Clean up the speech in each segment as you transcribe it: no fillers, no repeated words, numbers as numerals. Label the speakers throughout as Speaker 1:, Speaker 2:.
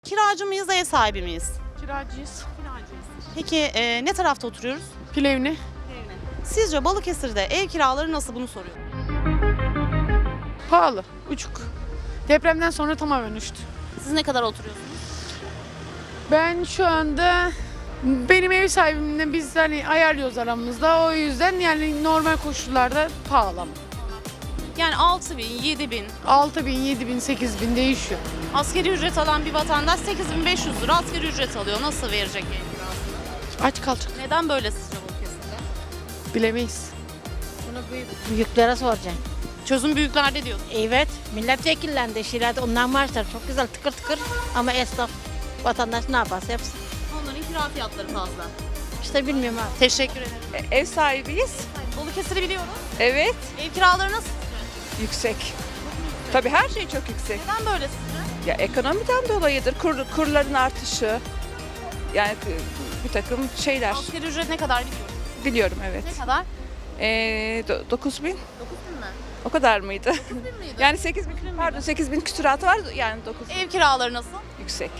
Speaker 1: Kiracı mıyız, ev sahibi miyiz?
Speaker 2: Kiracıyız.
Speaker 1: Peki ne tarafta oturuyoruz?
Speaker 2: Plevni.
Speaker 1: Sizce Balıkesir'de ev kiraları nasıl, bunu soruyorum.
Speaker 2: Pahalı. Uçuk. Depremden sonra tamamen uçtu.
Speaker 1: Siz ne kadar oturuyorsunuz?
Speaker 2: Ben şu anda benim ev sahibimle biz hani ayarlıyoruz aramızda. O yüzden yani normal koşullarda pahalı ama.
Speaker 1: Yani 6 bin, 7 bin.
Speaker 2: 6 bin, 7 bin, 8 bin değişiyor.
Speaker 1: Asgari ücret alan bir vatandaş 8.500 lira asgari ücret alıyor. Nasıl verecek ev kirasını?
Speaker 2: Aç kalacak.
Speaker 1: Neden böyle sizce Balıkesir'de?
Speaker 2: Bilemeyiz.
Speaker 3: Bunu büyüklere soracaksın.
Speaker 1: Çözüm büyüklerde diyorsun.
Speaker 3: Evet, milletvekillerinde şirayet ondan maaşlar çok güzel tıkır tıkır ama esnaf vatandaş ne yaparsa yapsın.
Speaker 1: Onların kira fiyatları fazla.
Speaker 3: İşte bilmiyorum abi.
Speaker 1: Teşekkür ederim.
Speaker 4: Ev sahibiyiz.
Speaker 1: Balıkesir'i biliyorum.
Speaker 4: Evet.
Speaker 1: Ev kiraları nasıl?
Speaker 4: Yüksek. Tabii her şey çok yüksek.
Speaker 1: Neden böyle sizce?
Speaker 4: Ya ekonomiden dolayıdır. Kurların artışı. Yani bir takım şeyler.
Speaker 1: Asgari ücret ne kadar biliyorum.
Speaker 4: Biliyorum evet.
Speaker 1: Ne kadar?
Speaker 4: 9 bin.
Speaker 1: 9 bin mi?
Speaker 4: O kadar mıydı?
Speaker 1: 9 bin miydi?
Speaker 4: Yani 8 bin, pardon 8 bin küsuratı var yani 9 bin.
Speaker 1: Ev kiraları nasıl?
Speaker 4: Yüksek.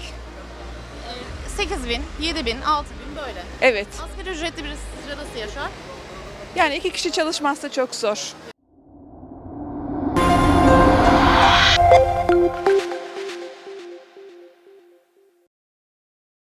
Speaker 1: 8 bin, 7 bin, 6 bin böyle.
Speaker 4: Evet.
Speaker 1: Asgari ücretli birisi sizce nasıl yaşar?
Speaker 4: Yani 2 kişi çalışmazsa çok zor.